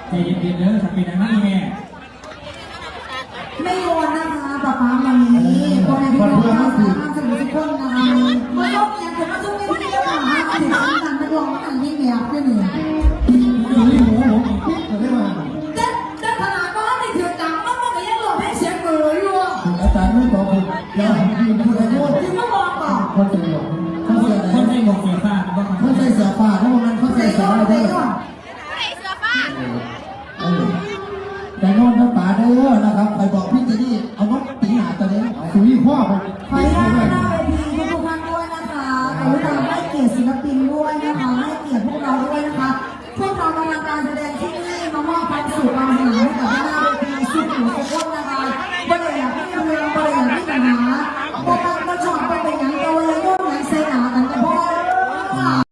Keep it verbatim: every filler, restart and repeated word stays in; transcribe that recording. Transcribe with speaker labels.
Speaker 1: ใจเย็นๆเด้อถ้าเป็นอย่างนั้นแม่
Speaker 2: ไม่โยนนะคะป๊าป๊าวันนี้คนในพี่น้องเราสามารถจะมีทุกคนนะคะไม่ต้องเรียนแต่ว่าช่วงนี้ที่เราหาถึงการไม่ลองอันนี้แบบนี้เนี่ย
Speaker 1: อยู่ที่หูผมอีกจะได้มา
Speaker 2: เต้นเต้นขนาดว่าในถือจังมันมันก็ยังหลอกให้เสียงเอ๋ยอยู่
Speaker 3: อาจารย์ไม่บอกผมอย่าพูดอะไรพูด
Speaker 2: ที่เขาบอกต่อ
Speaker 3: คนใส่หมวกเขาใส่อะไร
Speaker 1: คนใส่หมวกเสื้อผ้า
Speaker 3: เขาใส่เสื้อผ้าทั้งหมดนั้นเขาใส่เสื้ออะไรด้วยแต่นอนทั้งป่าเด้อนะครับใครบอก